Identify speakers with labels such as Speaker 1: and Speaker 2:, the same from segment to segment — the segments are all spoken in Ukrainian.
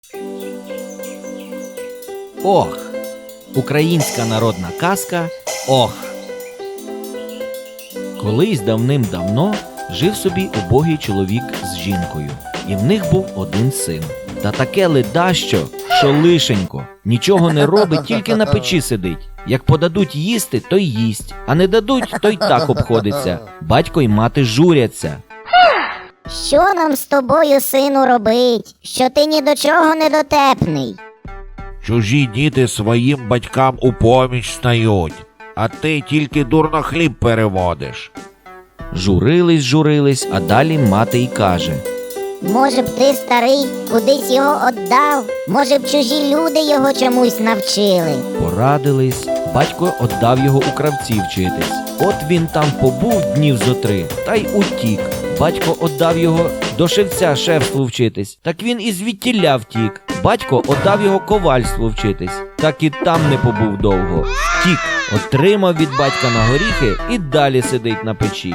Speaker 1: Ох. Українська народна казка «Ох». Колись давним-давно жив собі убогий чоловік з жінкою, і в них був один син. Та таке ледащо, що лишенько, нічого не робить, тільки на печі сидить. Як подадуть їсти, то й їсть, а не дадуть, то й так обходиться. Батько й мати журяться.
Speaker 2: Що нам з тобою, сину, робить, що ти ні до чого не дотепний?
Speaker 3: Чужі діти своїм батькам у поміч стають, а ти тільки дурно хліб переводиш.
Speaker 1: Журились, а далі мати й каже:
Speaker 2: Може б ти, старий, кудись його отдав? Може б чужі люди його чомусь навчили?
Speaker 1: Порадились, батько отдав його у кравці вчитись. От він там побув днів зо 3, та й утік. Батько отдав його до шевця шефству вчитись, так він і звідтіля втік. Батько отдав його ковальству вчитись, так і там не побув довго. Втік, отримав від батька на горіхи і далі сидить на печі.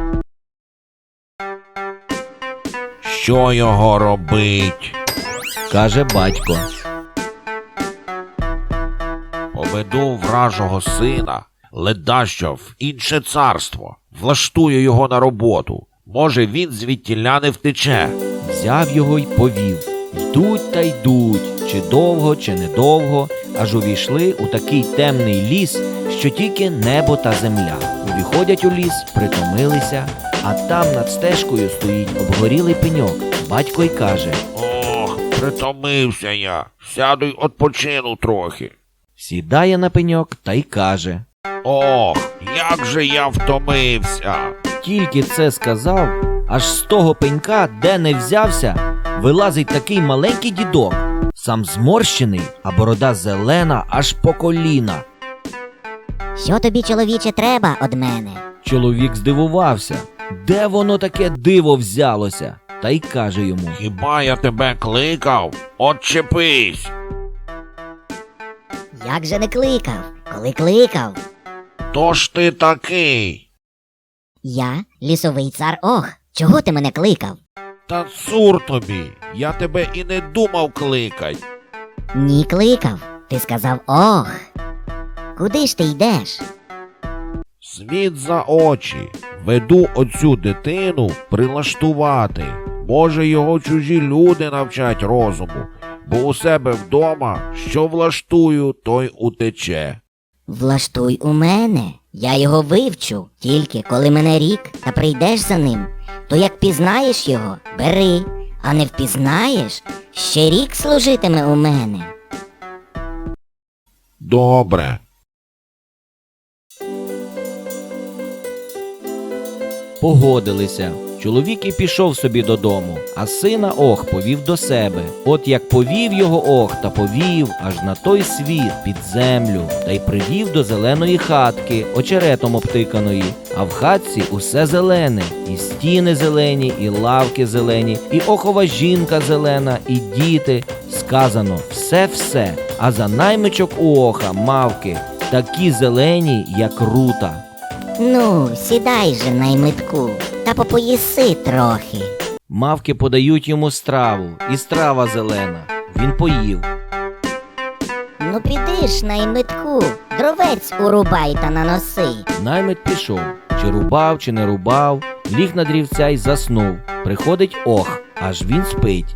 Speaker 3: Що його робить?
Speaker 1: Каже батько:
Speaker 3: Поведу вражого сина, ледащо, в інше царство, влаштую його на роботу. Може, він звідтіля не втече.
Speaker 1: Взяв його й повів. Йдуть та йдуть, чи довго, чи недовго, аж увійшли у такий темний ліс, що тільки небо та земля. Увіходять у ліс, притомилися, а там над стежкою стоїть обгорілий пеньок. Батько й каже:
Speaker 3: Ох, притомився я, сяду й odpoczину трохи.
Speaker 1: Сідає на пеньок та й каже:
Speaker 3: Ох, як же я втомився.
Speaker 1: Тільки це сказав, аж з того пенька, де не взявся, вилазить такий маленький дідок, сам зморщений, а борода зелена аж по коліна.
Speaker 2: Що тобі, чоловіче, треба од мене?
Speaker 1: Чоловік здивувався, де воно таке диво взялося, та й каже йому:
Speaker 3: Хіба я тебе кликав? Отчепись.
Speaker 2: Як же не кликав? Коли кликав?
Speaker 3: То ж ти такий.
Speaker 2: Я лісовий цар Ох. Чого ти мене кликав?
Speaker 3: Та цур тобі, я тебе і не думав кликать.
Speaker 2: Ні, кликав. Ти сказав Ох. Куди ж ти йдеш?
Speaker 3: Світ за очі, веду оцю дитину прилаштувати. Може, його чужі люди навчать розуму, бо у себе вдома, що влаштую, той утече.
Speaker 2: Влаштуй у мене. Я його вивчу. Тільки коли мене рік та прийдеш за ним, то як пізнаєш його, бери, а не впізнаєш, ще рік служитиме у мене.
Speaker 3: Добре.
Speaker 1: Погодилися. Чоловік і пішов собі додому, а сина Ох повів до себе. От як повів його Ох та повів аж на той світ, під землю, та й привів до зеленої хатки, очеретом обтиканої. А в хатці усе зелене, і стіни зелені, і лавки зелені, і Охова жінка зелена, і діти. Сказано все-все, а за наймичок у Оха мавки, такі зелені, як рута.
Speaker 2: Ну, сідай же, наймитку, та попоїси трохи.
Speaker 1: Мавки подають йому страву, і страва зелена. Він поїв.
Speaker 2: Ну піди ж, наймитку, дровець урубай та наноси.
Speaker 1: Наймит пішов. Чи рубав, чи не рубав, ліг на дрівця й заснув. Приходить Ох, аж він спить.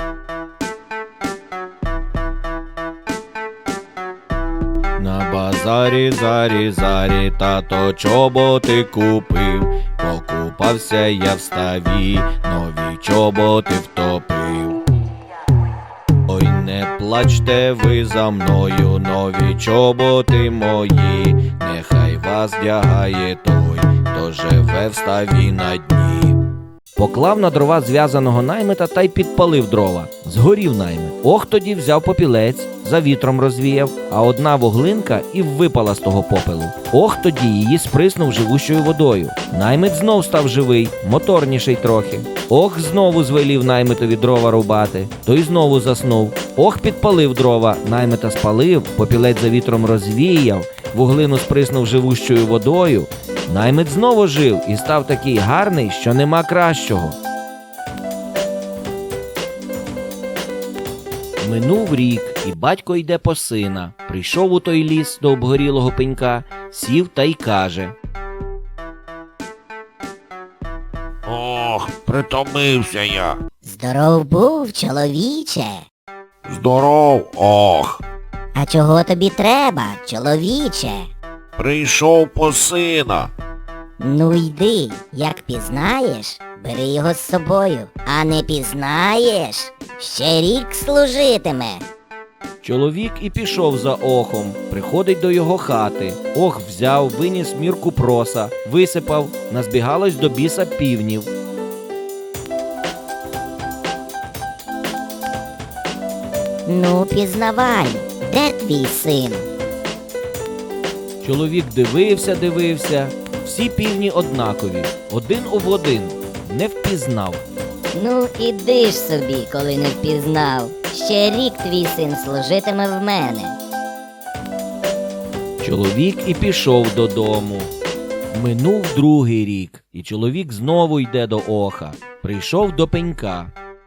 Speaker 1: На базарі, зарі, тато чоботи купив. Покупався я в ставі, нові чоботи втопив. Ой, не плачте ви за мною, нові чоботи мої. Нехай вас вдягає той, хто живе в ставі на дні. Поклав на дрова зв'язаного наймита та й підпалив дрова. Згорів наймит. Ох тоді взяв попілець, за вітром розвіяв, а одна вуглинка і випала з того попелу. Ох тоді її сприснув живущою водою. Наймит знов став живий, моторніший трохи. Ох знову звелів наймитові дрова рубати, той знову заснув. Ох підпалив дрова, наймита спалив, попілець за вітром розвіяв, вуглину сприснув живущою водою. Наймит знову жив і став такий гарний, що нема кращого. Минув рік, і батько йде по сина. Прийшов у той ліс до обгорілого пенька, сів та й каже:
Speaker 3: Ох, притомився я.
Speaker 2: Здоров був, чоловіче.
Speaker 3: Здоров, ох.
Speaker 2: А чого тобі треба, чоловіче?
Speaker 3: Прийшов по сина.
Speaker 2: Ну йди, як пізнаєш, бери його з собою, а не пізнаєш, ще рік служитиме.
Speaker 1: Чоловік і пішов за Охом, приходить до його хати. Ох взяв, виніс мірку проса, висипав, назбігалось до біса півнів.
Speaker 2: Ну, пізнавай, де твій син?
Speaker 1: Чоловік дивився, всі півні однакові, один в один, не впізнав.
Speaker 2: Ну, іди ж собі, коли не впізнав. Ще рік твій син служитиме в мене.
Speaker 1: Чоловік і пішов додому. Минув другий рік, і чоловік знову йде до Оха. Прийшов до пенька.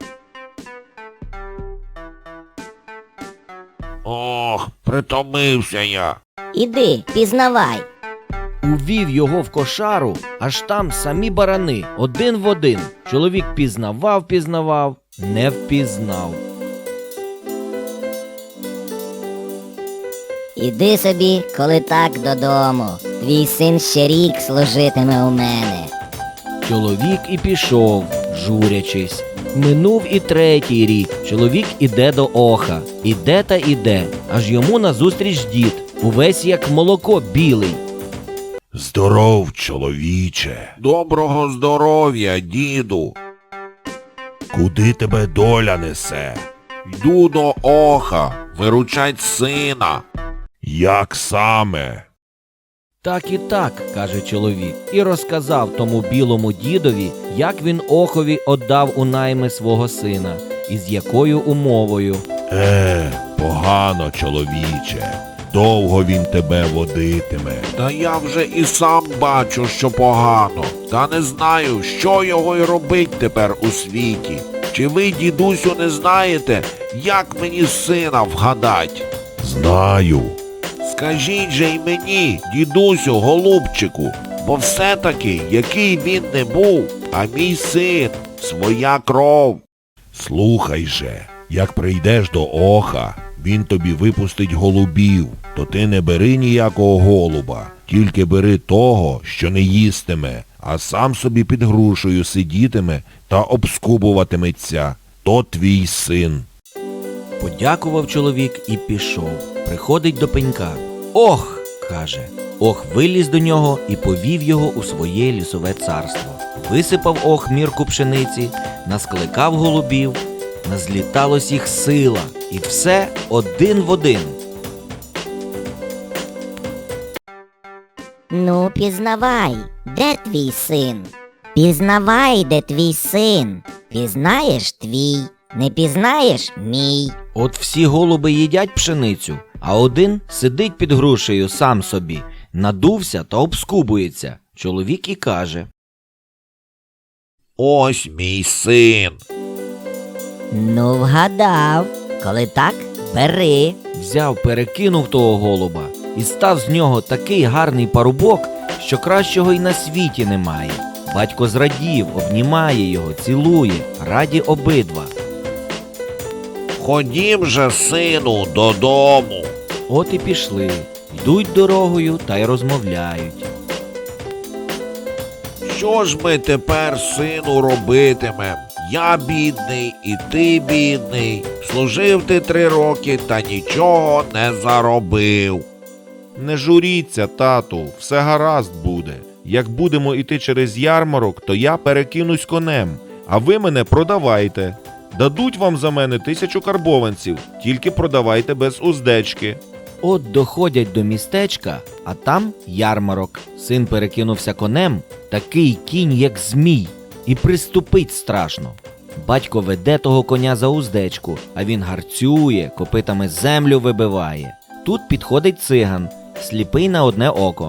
Speaker 3: Ох, притомився я.
Speaker 2: Іди, пізнавай.
Speaker 1: Увів його в кошару, аж там самі барани, один в один. Чоловік пізнавав, не впізнав.
Speaker 2: Іди собі, коли так, додому. Твій син ще рік служитиме у мене.
Speaker 1: Чоловік і пішов, журячись. Минув і третій рік. Чоловік іде до Оха. Іде та іде, аж йому назустріч дід, увесь як молоко білий.
Speaker 3: Здоров, чоловіче. Доброго здоров'я, діду. Куди тебе доля несе? Йду до Оха, виручать сина. Як саме?
Speaker 1: Так, каже чоловік, і розказав тому білому дідові, як він Охові отдав у найми свого сина, і з якою умовою.
Speaker 3: Погано, чоловіче. Довго він тебе водитиме. Та я вже і сам бачу, що погано. Та не знаю, що його й робить тепер у світі. Чи ви, дідусю, не знаєте, як мені сина вгадать? Знаю. Скажіть же й мені, дідусю, голубчику, бо все-таки, який він не був, а мій син, своя кров. Слухай же, як прийдеш до Оха, він тобі випустить голубів, то ти не бери ніякого голуба, тільки бери того, що не їстиме, а сам собі під грушею сидітиме та обскубуватиметься. То твій син.
Speaker 1: Подякував чоловік і пішов. Приходить до пенька. Ох, каже. Ох виліз до нього і повів його у своє лісове царство. Висипав Ох мірку пшениці, наскликав голубів, назліталось їх сила, і все один в один.
Speaker 2: Ну, пізнавай, де твій син? Пізнавай, де твій син. Пізнаєш твій, не пізнаєш мій.
Speaker 1: От всі голуби їдять пшеницю, а один сидить під грушею сам собі, надувся та обскубується. Чоловік і каже.
Speaker 3: Ось мій син.
Speaker 2: Ну, вгадав. Коли так, бери.
Speaker 1: Взяв, перекинув того голуба, і став з нього такий гарний парубок, що кращого й на світі немає. Батько зрадів, обнімає його, цілує, раді обидва.
Speaker 3: Ходім же, сину, додому.
Speaker 1: От і пішли, йдуть дорогою та й розмовляють.
Speaker 3: Що ж ми тепер, сину, робитимем? Я бідний, і ти бідний. Служив ти 3 роки та нічого не заробив.
Speaker 4: Не журіться, тату, все гаразд буде. Як будемо йти через ярмарок, то я перекинусь конем, а ви мене продавайте. Дадуть вам за мене 1000 карбованців, тільки продавайте без уздечки.
Speaker 1: От доходять до містечка, а там ярмарок. Син перекинувся конем, такий кінь, як змій, і приступить страшно. Батько веде того коня за уздечку, а він гарцює, копитами землю вибиває. Тут підходить циган, сліпий на одне око.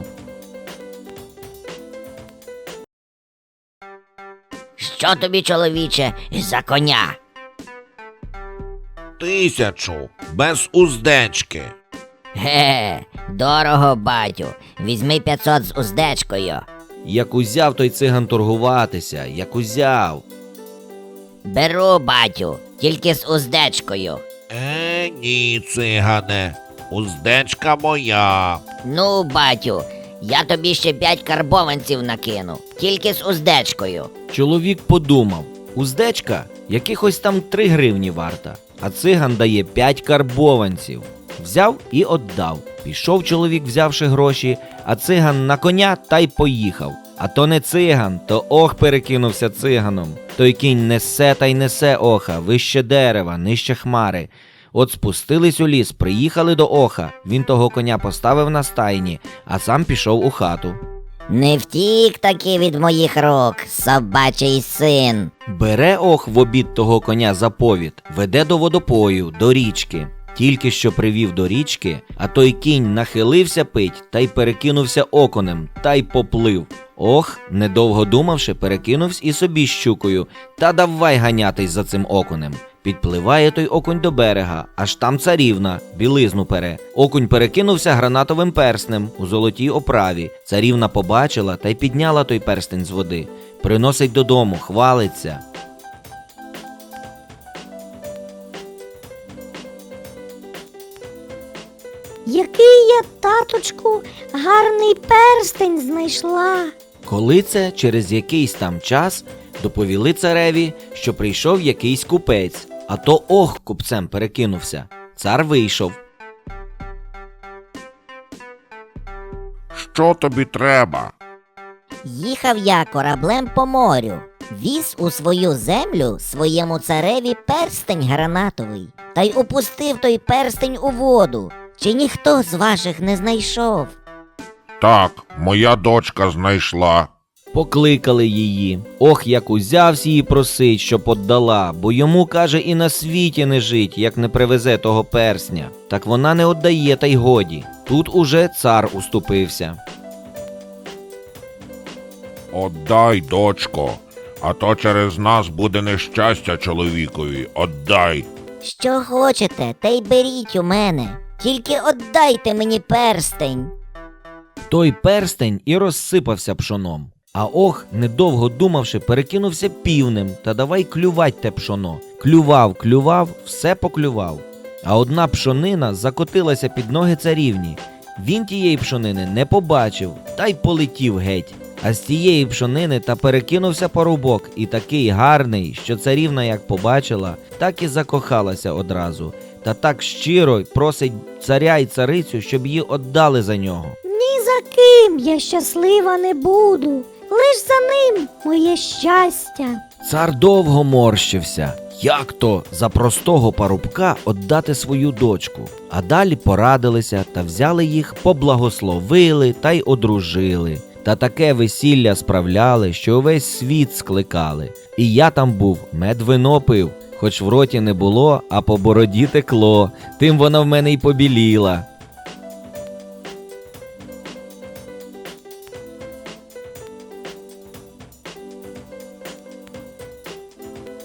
Speaker 2: Що тобі, чоловіче, за коня?
Speaker 3: 1000, без уздечки.
Speaker 2: Ге, дорого, батю. Візьми 500 з уздечкою.
Speaker 1: Як узяв той циган торгуватися, як узяв.
Speaker 2: Беру, батю, тільки з уздечкою.
Speaker 3: Ні, цигане, уздечка моя.
Speaker 2: Ну, батю, я тобі ще 5 карбованців накину, тільки з уздечкою.
Speaker 1: Чоловік подумав, уздечка якихось там 3 гривні варта, а циган дає 5 карбованців. Взяв і отдав. Пішов чоловік, взявши гроші, а циган на коня та й поїхав. А то не циган, то ох перекинувся циганом. Той кінь несе та й несе оха, вище дерева, нижче хмари. От спустились у ліс, приїхали до оха, він того коня поставив на стайні, а сам пішов у хату.
Speaker 2: Не втік таки від моїх рук, собачий син.
Speaker 1: Бере ох в обід того коня за повід, веде до водопою, до річки. Тільки що привів до річки, а той кінь нахилився пить та й перекинувся окунем, та й поплив. Ох, недовго думавши, перекинувся і собі щукою, та давай ганятись за цим окунем. Підпливає той окунь до берега, аж там царівна, білизну пере. Окунь перекинувся гранатовим перстнем у золотій оправі. Царівна побачила та й підняла той перстень з води. Приносить додому, хвалиться.
Speaker 5: Який я, таточку, гарний перстень знайшла.
Speaker 1: Коли це через якийсь там час доповіли цареві, що прийшов якийсь купець, а то ох купцем перекинувся. Цар вийшов.
Speaker 3: Що тобі треба?
Speaker 2: Їхав я кораблем по морю, віз у свою землю своєму цареві перстень гранатовий, та й опустив той перстень у воду. Чи ніхто з ваших не знайшов?
Speaker 3: Так, моя дочка знайшла.
Speaker 1: Покликали її. Ох, як узявсь її просить, щоб отдала, бо йому, каже, і на світі не жить, як не привезе того персня. Так вона не отдає, та й годі. Тут уже цар уступився.
Speaker 3: Отдай, дочко, а то через нас буде нещастя чоловікові. Отдай.
Speaker 2: Що хочете, те й беріть у мене. Тільки отдайте мені перстень.
Speaker 1: Той перстень і розсипався пшоном. А ох, недовго думавши, перекинувся півнем, та давай клювать те пшоно. Клював, все поклював. А одна пшонина закотилася під ноги царівні. Він тієї пшонини не побачив, та й полетів геть. А з тієї пшонини та перекинувся парубок, і такий гарний, що царівна як побачила, так і закохалася одразу. Та так щиро просить царя й царицю, щоб її отдали за нього.
Speaker 5: Ні за ким я щаслива не буду, лиш за ним моє щастя.
Speaker 1: Цар довго морщився. Як то за простого парубка отдати свою дочку? А далі порадилися та взяли їх, поблагословили та й одружили. Та таке весілля справляли, що увесь світ скликали. І я там був, мед вино пив, хоч в роті не було, а по бороді текло, тим вона в мене й побіліла.